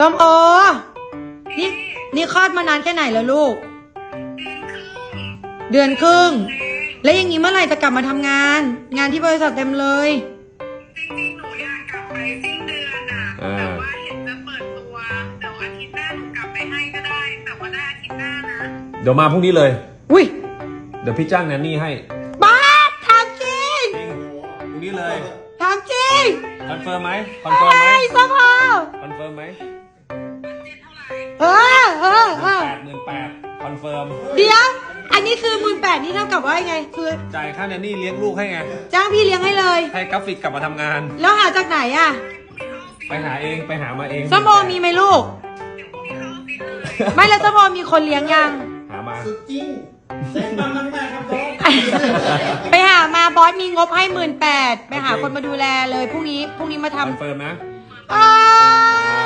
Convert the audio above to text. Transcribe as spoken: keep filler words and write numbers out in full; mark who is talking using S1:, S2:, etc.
S1: ส้มโอนี่นี่คลอดมานานแค่ไหนแล้วลูก เดือนครึ่ง แล้วอย่างนี้เมื่อไหร่จะกลับมาทำงาน งานที่บริษัทเต็มเลย
S2: จริงๆหนูอยากกลับไปสิ้นเดือนอ่ะแต่ว่าเห็นจะเปิดตัวเดี๋ยวอาทิตย์หน้าหนูกลับไปให้ก็ได้ แต่ว่าได้อาทิตย์หน้านะ
S3: เดี๋ยวมาพรุ่งนี้เลย
S1: อุ้ย
S3: เดี๋ยวพี่จ้างแนนนี่ให้
S1: บ้าทำจริง
S3: จริงพรุ่งนี้เลย
S1: ทำจริง
S3: คอนเฟิร์มไหมคอนเฟิร์มไหม
S1: ไอ้ส้มโอ
S3: คอนเฟิร์มไหม
S1: เออเออเออ
S3: แปดหมื่นแปดคอนเฟิร์ม
S1: เดี๋ยว อันนี้คือหมื่นแปดนี่เท่ากับว่าไง คือ
S3: จ่ายค่าแนนนี่เลี้ยงลูกให้ไง
S1: จ้างพี่เลี้ยงให้เลย
S3: ให้กราฟิกกลับมาทำงาน
S1: แล้วหาจากไหนอ่ะ
S3: ไปหาเองไปหามาเอง
S1: ส้มโอมีไหมลูก ไม่แล้วส้มโอมีคนเลี้ยงยัง
S3: หามา
S4: สุดจริงเซ็ตมันมันได้ครับบอส
S1: ไปหามาบอสมีงบให้หมื่นแปดไปหาคนมาดูแลเลยพรุ่งนี้พรุ่งนี้มา
S3: คอน
S1: ทำ
S3: เฟิร์มนะ
S1: อ้า